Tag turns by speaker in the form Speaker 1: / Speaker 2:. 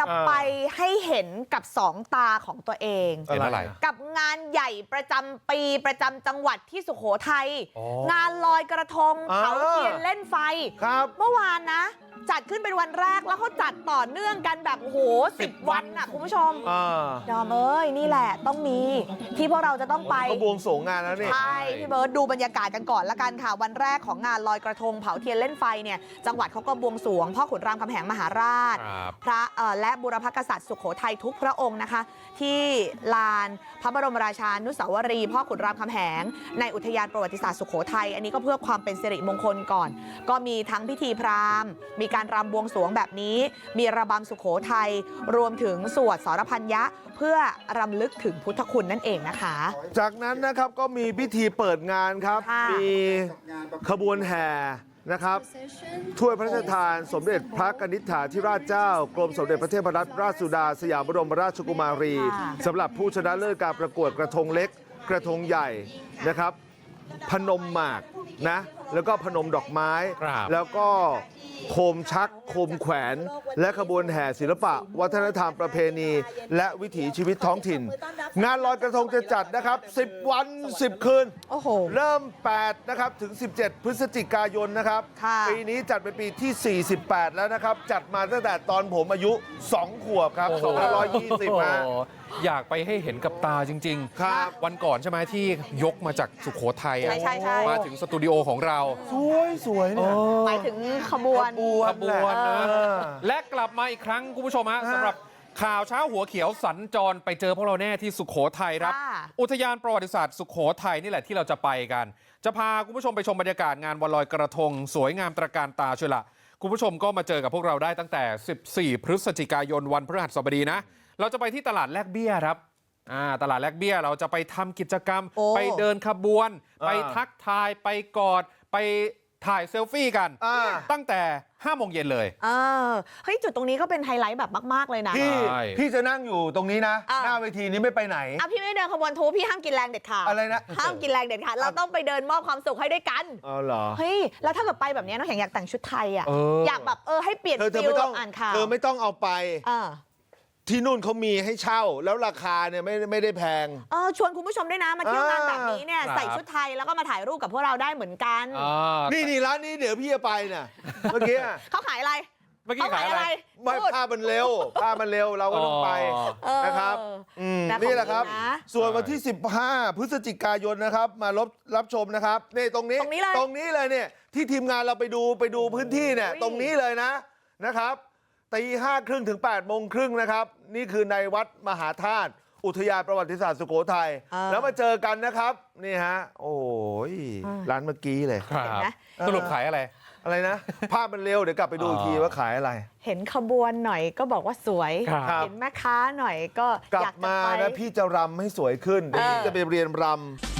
Speaker 1: ไปให้เห็นกับสองตาของตัวเอง
Speaker 2: เห็นอะไร
Speaker 1: กับงานใหญ่ประจำปีประจำจังหวัดที่สุโขทัยงานลอยกระทงเผาเทียนเล่นไฟเมื่อวานนะจัดขึ้นเป็นวันแรกแล้วเขาจัดต่อเนื่องกันแบบโอ้โห10 วันน่ะคุณผู้ชมดอมเอ้ยนี่แหละต้องมีที่พวกเราจะต้องไป
Speaker 3: ก็บวงสรวงงานแล้วนี่
Speaker 1: ใช่พี่เบิร์ดดูบรรยากาศกันก่อนละกันค่ะวันแรกของงานลอยกระทงเผาเทียนเล่นไฟเนี่ยจังหวัดเขาก็บวงสรวงพ่อขุนรามคำแหงมหาราชพระและบุรพกษัตริย์สุโขทัยทุกพระองค์นะคะที่ลานพระบรมราชานุสาวรีย์พ่อขุนรามคำแหงในอุทยานประวัติศาสตร์สุโขทัยอันนี้ก็เพื่อความเป็นสิริมงคลก่อนก็มีทั้งพิธีพราหมณ์มีการรำบวงสรวงแบบนี้มีระบำสุโขทัยรวมถึงสวดสรพัญญะเพื่อรำลึกถึงพุทธคุณนั่นเองนะคะ
Speaker 3: จากนั้นนะครับก็มีพิธีเปิดงานครับมีขบวนแห่นะครับถ้วยพระราชทานสมเด็จพระกนิษฐาธิราชเจ้ากรมสมเด็จพระเทพรัตนราชสุดาสยามบรมราชกุมารีสำหรับผู้ชนะเลิศการประกวดกระทงเล็กกระทงใหญ่นะครับพนมหมากนะแล้วก็พนมดอกไม้แล้วก็โคมชักโคมแขวนและขบวนแห่ศิลปะวัฒนธรรมประเพณีและวิถีชีวิตท้องถิ่นงานลอยกระทงจะจัดนะครับ10 วัน 10 คืนเริ่ม8นะครับถึง17 พฤศจิกายนนะครับปีนี้จัดเป็นปีที่48แล้วนะครับจัดมาตั้งแต่ตอนผมอายุ2 ขวบครับ2520นะ
Speaker 2: อยากไปให้เห็นกับตาจริงๆครับวันก่อนใช่ไหมที่ยกมาจากสุโขทัยมาถึงสตูดิโอของเรา
Speaker 3: สวยเนี่ย
Speaker 1: หมายถึงขบวน
Speaker 2: นะและกลับมาอีกครั้งคุณผู้ชมฮะสำหรับข่าวเช้าหัวเขียวสัญจรไปเจอพวกเราแน่ที่สุโขทัยครับอุทยานประวัติศาสตร์สุโขทัยนี่แหละที่เราจะไปกันจะพาคุณผู้ชมไปชมบรรยากาศงานวันลอยกระทงสวยงามตระการตาเชียวละคุณผู้ชมก็มาเจอกับพวกเราได้ตั้งแต่14 พฤศจิกายนวันพฤหัสบดีนะเราจะไปที่ตลาดแลกเบี้ยครับตลาดแลกเบี้ยเราจะไปทำกิจกรรมไปเดินขบวนไปทักทายไปกอดไปถ่ายเซลฟี่กันตั้งแต่5 โมงเย็นเลย
Speaker 1: เฮ้ยจุดตรงนี้ก็เป็นไฮไลท์แบบมากๆเลยนะ
Speaker 3: พี่จะนั่งอยู่ตรงนี้นะหน้าเวทีนี้ไม่ไปไหน
Speaker 1: พี่ไม่เดินขบวนทูพี่ห้ามกินแรงเด็ดขาด
Speaker 3: อะไรนะ
Speaker 1: ห้ามกินแรงเด็ดขาดเราต้องไปเดินมอบความสุขให้ด้วยกัน
Speaker 3: เหรอ
Speaker 1: เฮ้ยแล้วถ้าเกิดไปแบบนี้น้องแข็งอยากแต่งชุดไทยอ่ะอยากแบบให้เปลี่ยนฟิลอ่านข่าว
Speaker 3: เธอไม่ต้องเอาไปที่นู่นเขามีให้เช่าแล้วราคาเนี่ยไม่ได้แพง
Speaker 1: ชวนคุณผู้ชมด้วยนะมาเที่ยวงานแบบนี้เนี่ยใส่ชุดไทยแล้วก็มาถ่ายรูปกับพวกเราได้เหมือนกัน
Speaker 3: นี่ร้านนี้เดี๋ยวพี่จะไปน่ะเมื่อกี้
Speaker 1: เขาขายอะไร
Speaker 2: เมื่อกี้ขายอะไร
Speaker 3: ไม่ผ้ามันเร็วเราก็ต้องไปนะครับนี่แหละครับส่วนวันที่15 พฤศจิกายนนะครับมารับชมนะครับนี่ตรงนี้เลยเนี่ยที่ทีมงานเราไปดูพื้นที่เนี่ยตรงนี้เลยนะครับ5:30 ถึง 8:30 นะครับนี่คือในวัดมหาธาตุอุทยานประวัติศาสตร์สุโขทัยแล้วมาเจอกันนะครับนี่ฮะโอ้ยร้านเมื่อกี้เลย
Speaker 2: สรุปขายอะไร
Speaker 3: นะภาพมันเร็วเดี๋ยวกลับไปดูอีกทีว่าขายอะไร
Speaker 1: เห็นขบวนหน่อยก็บอกว่าสวยเห็นแม่ค้าหน่อยก็
Speaker 3: กลับมานะพี่จะรำให้สวยขึ้นเดี๋ยวจะไปเรียนรำ